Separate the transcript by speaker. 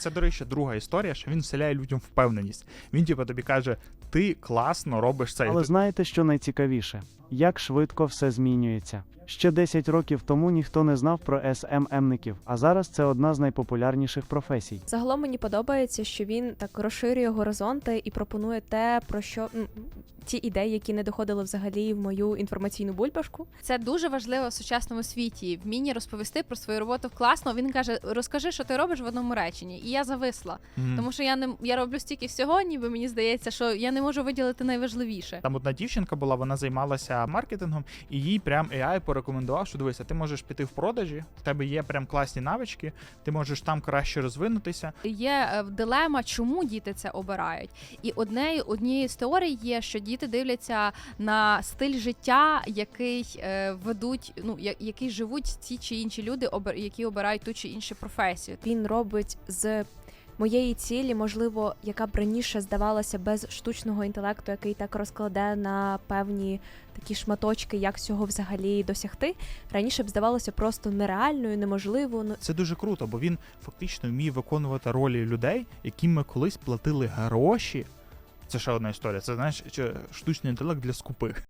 Speaker 1: Це, до речі, друга історія, що він вселяє людям впевненість. Він тобі каже, ти класно робиш це.
Speaker 2: Але знаєте, що найцікавіше? Як швидко все змінюється. Ще 10 років тому ніхто не знав про СММників, а зараз це одна з найпопулярніших професій.
Speaker 3: Загалом мені подобається, що він так розширює горизонти і пропонує те, про що ті ідеї, які не доходили взагалі в мою інформаційну бульбашку.
Speaker 4: Це дуже важливо в сучасному світі. Вміння розповісти про свою роботу класно. Він каже, розкажи, що ти робиш в одному реченні. І я зависла. Тому що я роблю стільки всього, ніби мені здається, що я не можу виділити найважливіше.
Speaker 1: Там одна дівчинка була, вона займалася маркетингом, і їй прям AI порекомендував, що дивися, ти можеш піти в продажі, в тебе є прям класні навички, ти можеш там краще розвинутися.
Speaker 4: Є дилема, чому діти це обирають. І однією з теорій є, що діти дивляться на стиль життя, який ведуть, який живуть ті чи інші люди, які обирають ту чи іншу професію.
Speaker 3: Він робить з моєї цілі, можливо, яка б раніше здавалася без штучного інтелекту, який так розкладе на певні такі шматочки, як цього взагалі досягти, раніше б здавалося просто нереальною, неможливою.
Speaker 1: Це дуже круто, бо він фактично вміє виконувати ролі людей, яким ми колись платили гроші. Це ще одна історія. Це, знаєш, штучний інтелект для скупих.